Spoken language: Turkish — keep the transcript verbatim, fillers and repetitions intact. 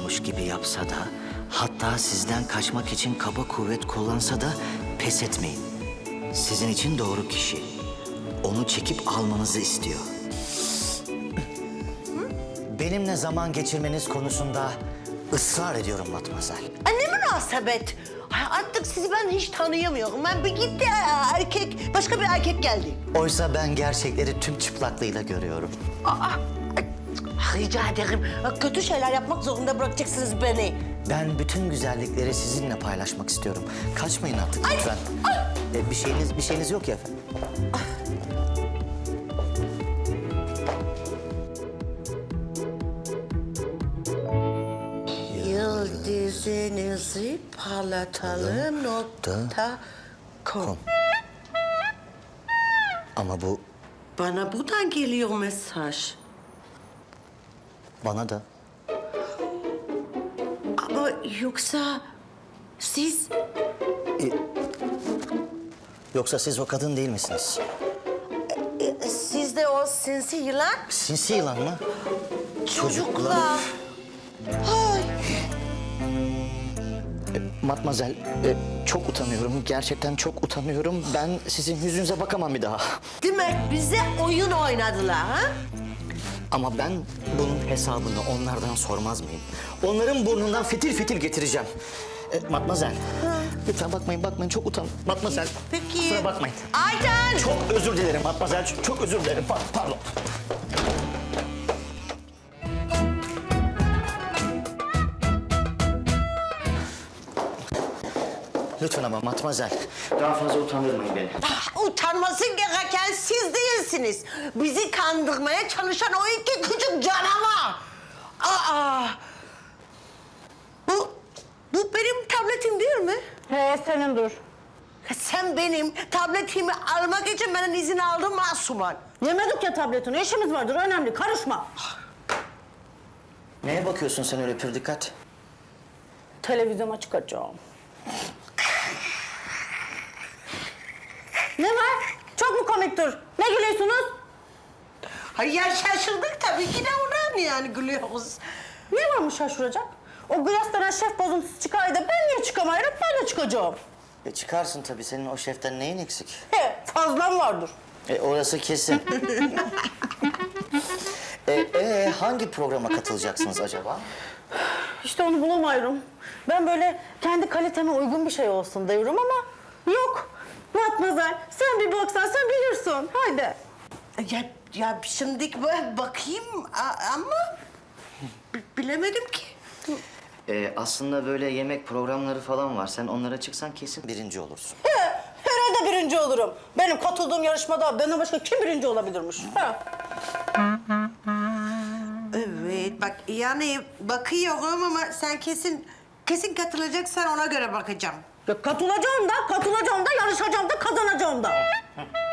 istiyormuş gibi yapsa da, hatta sizden kaçmak için kaba kuvvet kullansa da pes etmeyin. Sizin için doğru kişi. Onu çekip almanızı istiyor. Benimle zaman geçirmeniz konusunda ısrar ediyorum Matmazel. Ay ne münasebet. Ay artık sizi ben hiç tanıyamıyorum. Ben bir gitti erkek, başka bir erkek geldi. Oysa ben gerçekleri tüm çıplaklığıyla görüyorum. Aa, ay, rica ederim. Kötü şeyler yapmak zorunda bırakacaksınız beni. Ben bütün güzellikleri sizinle paylaşmak istiyorum. Kaçmayın artık Ay, lütfen. ay. Ee, bir şeyiniz bir şeyiniz yok ya efendim. Yıldızınızı parlatalım nokta com. Ama bu Bana buradan geliyor mesaj. bana da. Ama yoksa siz... Yoksa siz o kadın değil misiniz? e, Siz de o sinsi yılan Sinsi yılan mı? çocuklar. Ay. Matmazel, e, çok utanıyorum. Gerçekten çok utanıyorum. Ben sizin yüzünüze bakamam bir daha. Demek bize oyun oynadılar ha? Ama ben bunun hesabını onlardan sormaz mıyım? Onların burnundan fitil fitil getireceğim. E, Matmazel, lütfen bakmayın, bakmayın. Çok utan. Matmazel, Peki. kusura bakmayın. Ayten! Çok özür dilerim Matmazel, çok, çok özür dilerim. Pa- pardon. Lütfen ama Matmazel, daha fazla utandırmayın beni. Ah, utanması gereken siz değilsiniz. Bizi kandırmaya çalışan o iki küçük canavar. Aa! Bu, bu benim tabletim değil mi? He senin dur. Sen benim tabletimi almak için benden izin aldın Masuman. Yemedik ya tabletini. İşimiz vardır önemli. Karışma. Neye bakıyorsun sen öyle pür dikkat? Televizyona çıkacağım. Ne var? Çok mu komiktir? Ne gülüyorsunuz? Hayır ya şaşırdık tabii ki de ondan yani gülüyoruz. Ne varmış şaşıracak? O Gıyas denen şef bozuntusu çıkaydı. Ben niye çıkamayırım? Ben de çıkacağım. E çıkarsın tabii. Senin o şeften neyin eksik? He fazlam vardır. E orası kesin. e, e, hangi programa katılacaksınız acaba? İşte onu bulamıyorum. Ben böyle kendi kaliteme uygun bir şey olsun diyorum ama yok. Matmazel sen bir baksan sen bilirsin. Haydi. Ya, ya şimdi böyle bakayım a- ama bi- bilemedim ki. E, aslında böyle yemek programları falan var. Sen onlara çıksan kesin birinci olursun. He, herhalde birinci olurum. Benim katıldığım yarışmada benden başka kim birinci olabilirmiş? He. Evet bak yani bakıyorum ama sen kesin kesin katılacaksan ona göre bakacağım. Ya katılacağım da, katılacağım da, yarışacağım da, kazanacağım da.